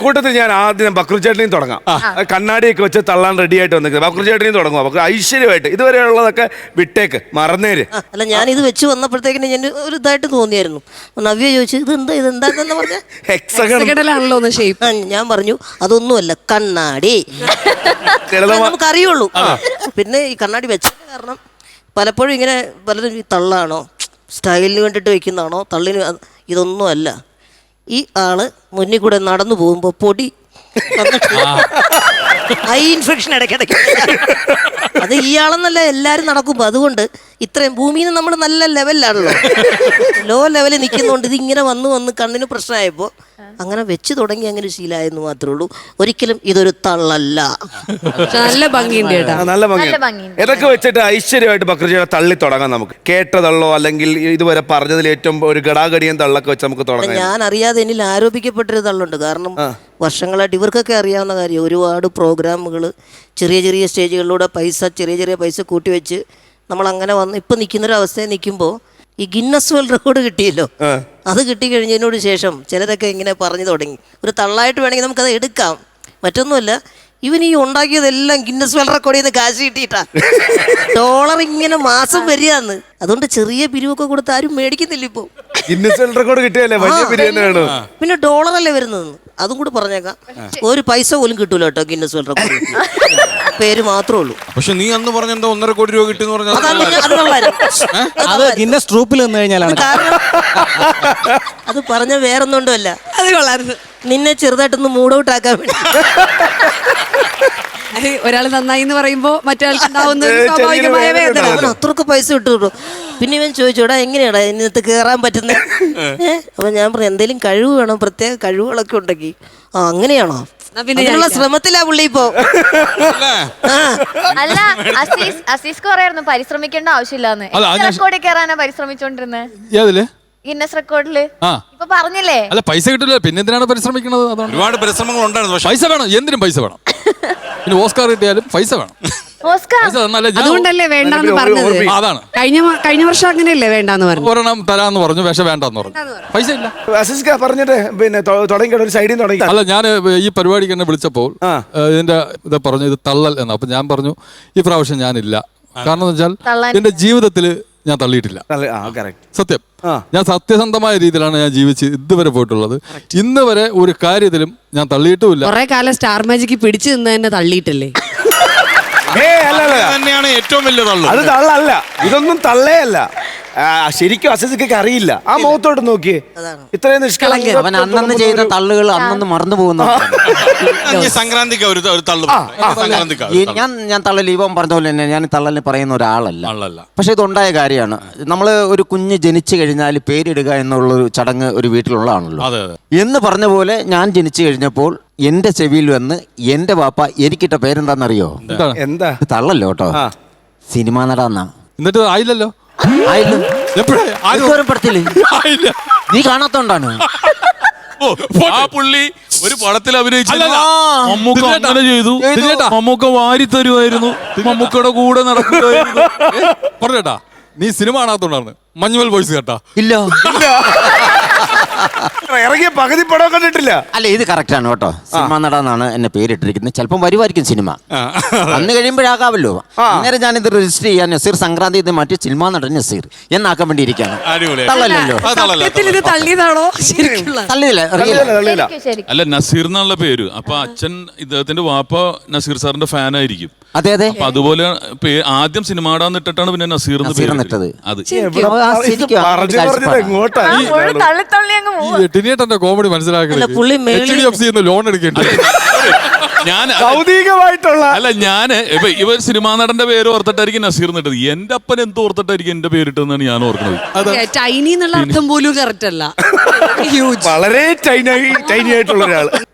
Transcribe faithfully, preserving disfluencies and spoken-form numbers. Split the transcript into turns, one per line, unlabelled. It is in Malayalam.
കൂട്ടത്തിൽ ഞാൻ ആദ്യം ബക്രുചേട്ടനെയും തുടങ്ങാം. കണ്ണാടിയൊക്കെ വെച്ച് തള്ളാൻ റെഡി ആയിട്ട് വന്നിരിക്കുന്നത് ബക്രുചേട്ടനെയും തുടങ്ങുക. ബക്രു ഐശ്വര്യമായിട്ട് ഇതുവരെയുള്ളതൊക്കെ വിട്ടേക്ക്, മറന്നേര്.
അല്ല, ഞാൻ ഇത് വെച്ച് വന്നപ്പോഴത്തേക്കിന് ഞാൻ ഒരു ഇതായിട്ട് തോന്നിയായിരുന്നു. നവ്യ ചോദിച്ചു ഇത് എന്താ ഇത് എന്താന്ന് പറഞ്ഞ
ഹെക്സഗണലാണല്ലോ ഷേപ്പ്.
ഞാൻ പറഞ്ഞു അതൊന്നുമല്ല, കണ്ണാടി. നമുക്ക് അറിയുള്ളൂ. പിന്നെ ഈ കണ്ണാടി വെച്ചതിന് കാരണം പലപ്പോഴും ഇങ്ങനെ പലരും ഈ തള്ളാണോ സ്റ്റൈലിന് വേണ്ടിയിട്ട് വെക്കുന്നതാണോ തള്ളിന്, ഇതൊന്നും അല്ല. ഈ ആള് മുന്നിൽ കൂടെ നടന്നു പോകുമ്പോ പൊടി ഐ ഇൻഫെക്ഷൻ ഇടയ്ക്കിടയ്ക്ക്. അത് ഇയാളെന്നല്ല, എല്ലാരും നടക്കുമ്പോ. അതുകൊണ്ട് ഇത്രയും ഭൂമിയിൽ നിന്ന് നമ്മൾ നല്ല ലെവലിലാണല്ലോ, ലോ ലെവലിൽ നിൽക്കുന്നതുകൊണ്ട് ഇതിങ്ങനെ വന്ന് വന്ന് കണ്ണിന് പ്രശ്നമായപ്പോ അങ്ങനെ വെച്ച് തുടങ്ങി അങ്ങനെ ശീലമായെന്ന് മാത്രമേ ഉള്ളൂ. ഒരിക്കലും ഇതൊരു തള്ളല്ല.
നല്ല ഭംഗിയുണ്ട് കേട്ടോ,
നല്ല ഭംഗിയുണ്ട്. ഇതൊക്കെ വെച്ചിട്ട് ഐശ്വര്യമായിട്ട് ബക്രുചേട്ടനെ തള്ളി തുടങ്ങാം നമുക്ക്. കേട്ട തള്ളോ അല്ലെങ്കിൽ ഇതുവരെ പറഞ്ഞതിൽ ഏറ്റവും ഒരു ഗടാഗടിയൻ തള്ളൊക്കെ വെച്ച് നമുക്ക് തുടങ്ങാം.
ഞാൻ അറിയാതെ എന്നിൽ ആരോപിക്കപ്പെട്ടൊരു തള്ളുണ്ട്. കാരണം വർഷങ്ങളായിട്ട് ഇവർക്കൊക്കെ അറിയാവുന്ന കാര്യം, ഒരുപാട് പ്രോഗ്രാമുകൾ ചെറിയ ചെറിയ സ്റ്റേജുകളിലൂടെ പൈസ ചെറിയ ചെറിയ പൈസ കൂട്ടി വെച്ച് നമ്മളങ്ങനെ വന്ന് ഇപ്പം നിൽക്കുന്നൊരവസ്ഥയിൽ നിൽക്കുമ്പോൾ ഈ ഗിന്നസ് വേൾഡ് റെക്കോർഡ് കിട്ടിയല്ലോ, അത് കിട്ടിക്കഴിഞ്ഞതിനോട് ശേഷം ചിലരൊക്കെ ഇങ്ങനെ പറഞ്ഞു തുടങ്ങി ഒരു തള്ളായിട്ട് വേണമെങ്കിൽ നമുക്കത് എടുക്കാം. മറ്റൊന്നുമല്ല, ഇവൻ ഈ ഉണ്ടാക്കിയതെല്ലാം ഗിന്നസ് വേൾഡ് റെക്കോർഡിൽ നിന്ന് കാശ് കിട്ടിയിട്ടാ. ഡോളർ ഇങ്ങനെ മാസം വരികയെന്ന്. അതുകൊണ്ട് ചെറിയ പിരിവൊക്കെ കൊടുത്ത് ആരും മേടിക്കുന്നില്ല ഇപ്പൊ.
ഗിന്നസ് വേൾഡ് റെക്കോർഡ് കിട്ടിയല്ലേ വലിയ പിരിവ് വേണം.
പിന്നെ ഡോളറല്ലേ വരുന്നത്, അതും കൂടി പറഞ്ഞേക്കാം. ഒരു പൈസ പോലും കിട്ടൂല കേട്ടോ ഗിന്നസ് വേൾഡ് റെക്കോർഡ്, പേര് മാത്രമേ ഉള്ളൂ.
പക്ഷെ നീ അന്ന് പറഞ്ഞ എന്താ ഒന്നര കോടി രൂപ കിട്ടി പറഞ്ഞാൽ
അത് ഗിന്നസ് ട്രൂപ്പിൽ നിന്ന് കഴിഞ്ഞാലാണ്.
അത് പറഞ്ഞ വേറൊന്നുകൊണ്ടും അല്ല,
അത് കൊള്ളായിരുന്നു.
നിന്നെ ചെറുതായിട്ടൊന്ന് മൂഡ് ഔട്ട് ആക്കാൻ വേണ്ടി.
ഒരാൾ നന്നായി എന്ന് പറയുമ്പോ മറ്റൊരാൾക്ക് ഉണ്ടാവുന്ന സ്വാഭാവികമായ വേദന.
അവൻ അത്രക്ക് പൈസ കിട്ടു. പിന്നെ ഇവൻ ചോദിച്ചോടാ എങ്ങനെയാടാ ഇതിനകത്ത് കയറാൻ പറ്റുന്നത്? അപ്പൊ ഞാൻ പറഞ്ഞു എന്തെങ്കിലും കഴിവ് വേണം, പ്രത്യേക കഴിവുകളൊക്കെ ഉണ്ടെങ്കിൽ. ആ അങ്ങനെയാണോ? അതിനുള്ള ശ്രമത്തിലാ പുള്ളി ഇപ്പോ.
അല്ല അസീസ് അസീസ്ക്ക് പറയായിരുന്നു പരിശ്രമിക്കേണ്ട ആവശ്യമില്ലാന്ന്. റെക്കോർഡിൽ കയറാനാ പരിശ്രമിച്ചോണ്ടിരുന്നത് ഗിന്നസ് റെക്കോർഡില്. ഇപ്പൊ പറഞ്ഞില്ലേ
അല്ല പൈസ കിട്ടില്ല, പിന്നെ എന്തിനാണ് പരിശ്രമിക്കുന്നത്?
ഒരുപാട് പരിശ്രമങ്ങൾ ഉണ്ടായിരുന്നു.
പൈസ വേണം, എന്തിനും പൈസ വേണം. പിന്നെ ഓസ്കാർ കിട്ടിയാലും പൈസ വേണം.
അതുകൊണ്ടല്ലേ വേണ്ടെന്ന് പറഞ്ഞത്.
അതാണ്
കഴിഞ്ഞ കഴിഞ്ഞ വർഷം അങ്ങനെയല്ലേ വേണ്ടെന്ന് പറഞ്ഞു.
ഒരെണ്ണം തരാന്ന് പറഞ്ഞു, പക്ഷെ വേണ്ടെന്ന് പറഞ്ഞു. പൈസ ഇല്ല.
അസീസ്ക പറഞ്ഞിട്ട് പിന്നെ തുടങ്ങി ഒരു സൈഡിൽ തുടങ്ങി.
അല്ല, ഞാൻ ഈ പരിപാടിക്ക് എന്നെ വിളിച്ചപ്പോൾ ഇതിന്റെ ഇത് പറഞ്ഞു ഇത് തള്ളൽ എന്ന്. അപ്പൊ ഞാൻ പറഞ്ഞു ഈ പ്രാവശ്യം ഞാനില്ല. കാരണം എന്ന് വെച്ചാൽ എന്റെ ജീവിതത്തിൽ ഞാൻ തള്ളിയിട്ടില്ല. സത്യം, ഞാൻ സത്യസന്ധമായ രീതിയിലാണ് ഞാൻ ജീവിച്ച് ഇതുവരെ പോയിട്ടുള്ളത്. ഇന്ന് വരെ ഒരു കാര്യത്തിലും ഞാൻ തള്ളിയിട്ടുമില്ല.
കുറെ കാലം സ്റ്റാർ മാജിക്ക് പിടിച്ചു നിന്ന് തന്നെ തള്ളിയിട്ടല്ലേ.
തന്നെയാണ് ഏറ്റവും വലിയ തള്ളു.
അത് തള്ളല്ല, ഇതൊന്നും തള്ളേ അല്ല. ശരിക്കും അസീസ്ക്കൊക്കെ അറിയില്ല. ആ മുഖത്തോട്ട് നോക്കിയേ, ഇത്രയും നിഷ്കളങ്ക.
അവൻ അന്നന്ന് ചെയ്ത തള്ളുകൾ അന്നന്ന് മറന്നു പോകുന്നു.
സംക്രാന്തിക്ക് ഒരു തള്ളു.
ഞാൻ ഞാൻ തള്ളല് ഇവൻ പറഞ്ഞ പോലെ തന്നെ ഞാൻ തള്ളലിന് പറയുന്ന ഒരാളല്ല. പക്ഷെ ഇതുണ്ടായ കാര്യമാണ്. നമ്മൾ ഒരു കുഞ്ഞ് ജനിച്ചു കഴിഞ്ഞാൽ പേരിടുക എന്നുള്ളൊരു ചടങ്ങ് ഒരു വീട്ടിലുള്ളതാണല്ലോ. എന്ന് പറഞ്ഞ പോലെ ഞാൻ ജനിച്ചു കഴിഞ്ഞപ്പോൾ എന്റെ ചെവിയിൽ വന്ന് എന്റെ വാപ്പ എനിക്കിട്ട പേരെന്താന്നറിയോ?
എന്താ?
തള്ളല്ലോ കേട്ടോ, സിനിമ നടാന്നാ.
എന്നിട്ട് ആയില്ലല്ലോ.
നീ കാണാത്തോണ്ടാണ്.
ആ പുള്ളി ഒരു പടത്തിൽ അഭിനയിച്ചു.
മമ്മൂക്ക അങ്ങനെ ചെയ്തു. മമ്മൂക്ക വാരി തരുമായിരുന്നു, മമ്മൂക്കയുടെ കൂടെ നടക്കുമായിരുന്നു. പറഞ്ഞേട്ടാ, നീ സിനിമ കാണാത്തോണ്ടാണ് മഞ്ഞുമൽ ബോയ്സ് കേട്ടാ.
ഇല്ല,
ഇറങ്ങിയ പകുതി പടം കണ്ടിട്ടില്ല.
അല്ല, ഇത് കറക്റ്റ് ആണ് കേട്ടോ. സിനിമ നടാന്നാണ് എന്നെ പേരിട്ടിരിക്കുന്നത്. ചിലപ്പം വരുമായിരിക്കും സിനിമ, അന്ന് കഴിയുമ്പോഴാകാമല്ലോ. അന്നേരം ഞാനിത് രജിസ്റ്റർ ചെയ്യാൻ നസീർ സംക്രാന്തി ഇത് മാറ്റി സിനിമ നടൻ നസീർ എന്നാക്കാൻ വേണ്ടി ഇരിക്കുകയാണ്. തള്ളല്ലോ.
തള്ളിയില്ല. അല്ല, നസീർ എന്നുള്ള പേര്. അപ്പൊ അച്ഛൻ ഇദ്ദേഹത്തിന്റെ വാപ്പ നസീർ സാറിന്റെ ഫാനായിരിക്കും.
അതെ അതെ.
അപ്പൊ അതുപോലെ ആദ്യം സിനിമ നടാന്ന് ഇട്ടിട്ടാണ് പിന്നെ നസീർ
ഇട്ടത്.
അത് ടിനിയേട്ടന്റെ കോമഡി മനസ്സിലാക്കുന്നത് ലോൺ എടുക്കേണ്ടി. ഞാൻ
ഭൗതികമായിട്ടുള്ള
അല്ല, ഞാന് ഇപ്പൊ ഇവർ സിനിമാ നടന്റെ പേര് ഓർത്തിട്ടായിരിക്കും നസീർ നിട്ടത്. എന്റെ അപ്പൻ എന്ത് ഓർത്തിട്ടായിരിക്കും എന്റെ പേരിട്ടെന്നാണ് ഞാൻ ഓർക്കുന്നത്.
ടൈനി എന്നുള്ള അർത്ഥം പോലും കറക്റ്റ് അല്ല.
വളരെ ടൈനി ടൈനി ആയിട്ടുള്ള ഒരാള്.